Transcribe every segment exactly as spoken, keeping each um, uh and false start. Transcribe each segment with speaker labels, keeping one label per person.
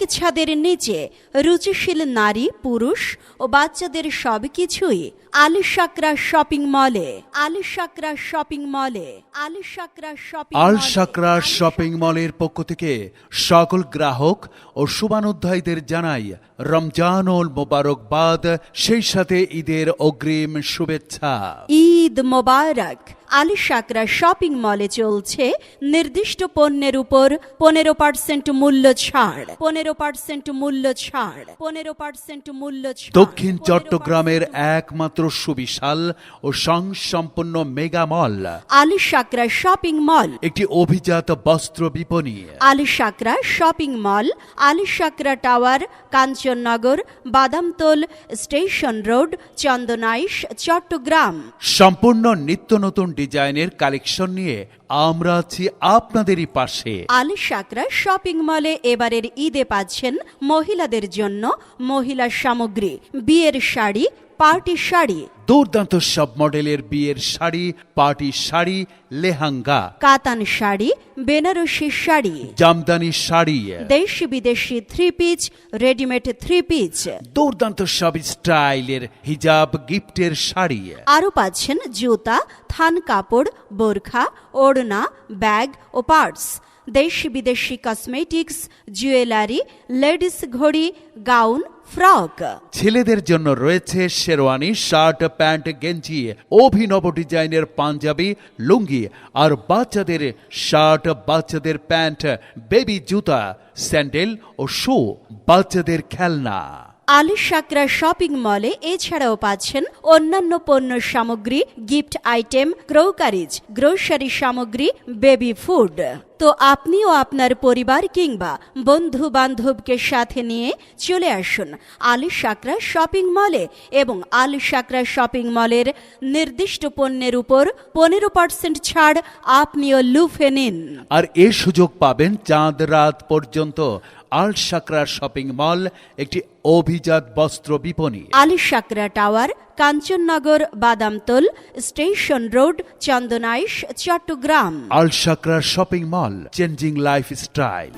Speaker 1: ছাদের নিচে রুচিশীল নারী পুরুষ ও বাচ্চাদের সবকিছুই আলিশাকরা শপিং মলে আলিশাকরা শপিং মলে আলিশাকরা শপিং
Speaker 2: আল শাকরা শপিং মলের পক্ষ থেকে সকল গ্রাহক ও শুভানুধ্যায়ীদের জানাই রমজানুল মোবারকবাদ, সেই সাথে ঈদের অগ্রিম শুভেচ্ছা।
Speaker 1: ঈদ মোবারক। আলিশাকরা শপিং মলে চলছে নির্দিষ্ট পণ্যের উপর পনেরো পার্সেন্ট মূল্য ছাড় পনেরো পার্সেন্ট মূল্য ছাড় পনেরো পার্সেন্ট মূল্য ছাড়।
Speaker 2: দক্ষিণ চট্টগ্রামের একমাত্র সুবিশাল ও সংসম্পন্ন মেগা মল
Speaker 1: আলিশাকরা শপিং মল,
Speaker 2: একটি অভিজাত বস্ত্র বিপণী।
Speaker 1: Alishakra shopping mall, Alishakra tower, Kanchannagar, Badamtol station road, Chandanaish, Chattogram.
Speaker 2: সম্পূর্ণ নিত্য নতুন ডিজাইনের কালেকশন নিয়ে আমরা আছি আপনাদেরই পাশে।
Speaker 1: আলিশাকরা শপিং মলে এবারের ঈদে পাচ্ছেন মহিলাদের জন্য মহিলা সামগ্রী, বিয়ের শাড়ি, পার্টি শাড়ি,
Speaker 2: দুর্দান্ত সব মডেলের বিয়ের শাড়ি, পার্টি শাড়ি, লেহাঙ্গা,
Speaker 1: কাতান শাড়ি, বেনারসি শাড়ি,
Speaker 2: জামদানি শাড়ি,
Speaker 1: দেশি বিদেশি three piece, readymade three piece,
Speaker 2: দুর্দান্ত সব স্টাইলের হিজাব, গিফটের শাড়ি।
Speaker 1: আরও পাচ্ছেন জুতা, থান কাপড়, বোরখা, ওড়না, ব্যাগ ও পার্টস, দেশি বিদেশি কসমেটিক্স, জুয়েলারি, লেডিস ঘড়ি, গাউন, ফ্রক।
Speaker 2: ছেলেদের জন্য রয়েছে শেরওয়ানি, শার্ট, প্যান্ট, গেঞ্জি, অভিনব ডিজাইনের পাঞ্জাবি, লুঙ্গি, আর বাচ্চাদের শার্ট, বাচ্চাদের প্যান্ট, বেবি জুতা, স্যান্ডেল ও শু, বাচ্চাদের খেলনা।
Speaker 1: আলিশাকরা শপিং মলে এছাড়াও পাচ্ছেন অন্যান্য পণ্য সামগ্রী, গিফট আইটেম, ক্রোকারিজ, গ্রোসারি সামগ্রী, বেবি ফুড। তো আপনিও আপনার পরিবার কিংবা বন্ধু বান্ধবকে সাথে নিয়ে চলে আসুন আলিশাকরা শপিং মলে এবং আলিশাকরা শপিং মলের নির্দিষ্ট পণ্যের উপর পনেরো পার্সেন্ট ছাড় আপনিও লুফে নিন।
Speaker 2: আর এ সুযোগ পাবেন চাঁদ রাত পর্যন্ত। আল শাকরা শপিং মল একটি অভিজাত বস্ত্র বিপণী।
Speaker 1: Alishakra tower, Kanchannagar, Badamtol station road, Chandanaish, Chattogram.
Speaker 2: Alishakra shopping mall, changing lifestyle.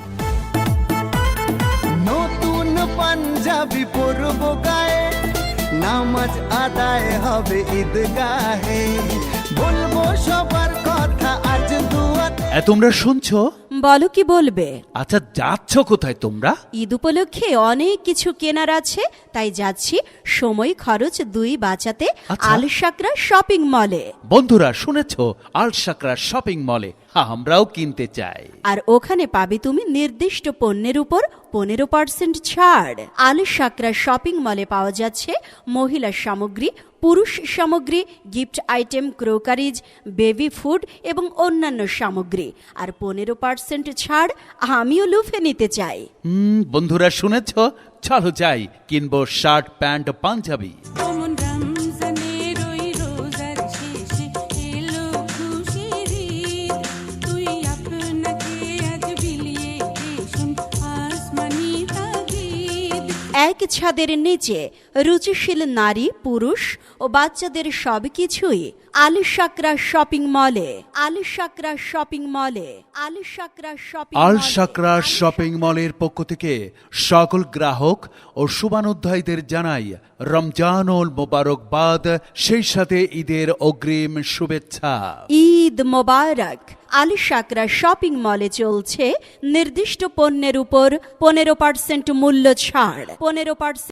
Speaker 3: নতুন পাঞ্জাবি পরব গায়ে, নামাজ আদায় হবে ঈদগাহে, বলবো সবার কথা আজ দুয়াতে।
Speaker 2: এ তোমরা শুনছো?
Speaker 1: বলো কি বলবে?
Speaker 2: আচ্ছা, যাচ্ছ কোথায় তোমরা?
Speaker 1: ঈদ উপলক্ষে অনেক কিছু কেনার আছে, তাই যাচ্ছি সময় খরচ দুই বাঁচাতে
Speaker 2: আচ্ছা।
Speaker 1: আলিশাকরা শপিং মলে।
Speaker 2: বন্ধুরা শুনেছ, আল শাকরা শপিং মলে আমরাও কিনতে চাই।
Speaker 1: আর ওখানে পাবে তুমি নির্দিষ্ট পণ্যের উপর পনেরো পার্সেন্ট ছাড়। আলিশাকরা শপিং মলে পাওয়া যাচ্ছে মহিলা সামগ্রী, পুরুষ সামগ্রী, gift item, crockeries, baby food এবং অন্যান্য সামগ্রী। আর পনেরো পার্সেন্ট ছাড় আমিও লুফে নিতে চাই।
Speaker 2: হুম, বন্ধুরা শুনেছ, চলো যাই, কিনবো শার্ট, প্যান্ট, পাঞ্জাবি।
Speaker 1: এক ছাদের নিচে রুচিশীল নারী পুরুষ ও বাচ্চাদের সবকিছুই আলিশাকরা শপিং মলে আলিশাকরা শপিং মলে আলিশাকরা শপিং
Speaker 2: আল শাকরা শপিং মলের পক্ষ থেকে সকল গ্রাহক ও শুভানুধ্যায়ীদের জানাই রমজানুল মোবারকবাদ, সেই সাথে ঈদের অগ্রিম শুভেচ্ছা।
Speaker 1: ঈদ মোবারক। আলিশাকরা শপিং মলে চলছে নির্দিষ্ট পণ্যের উপর পনেরো পার্সেন্ট মূল্য ছাড় পনেরো পার্সেন্ট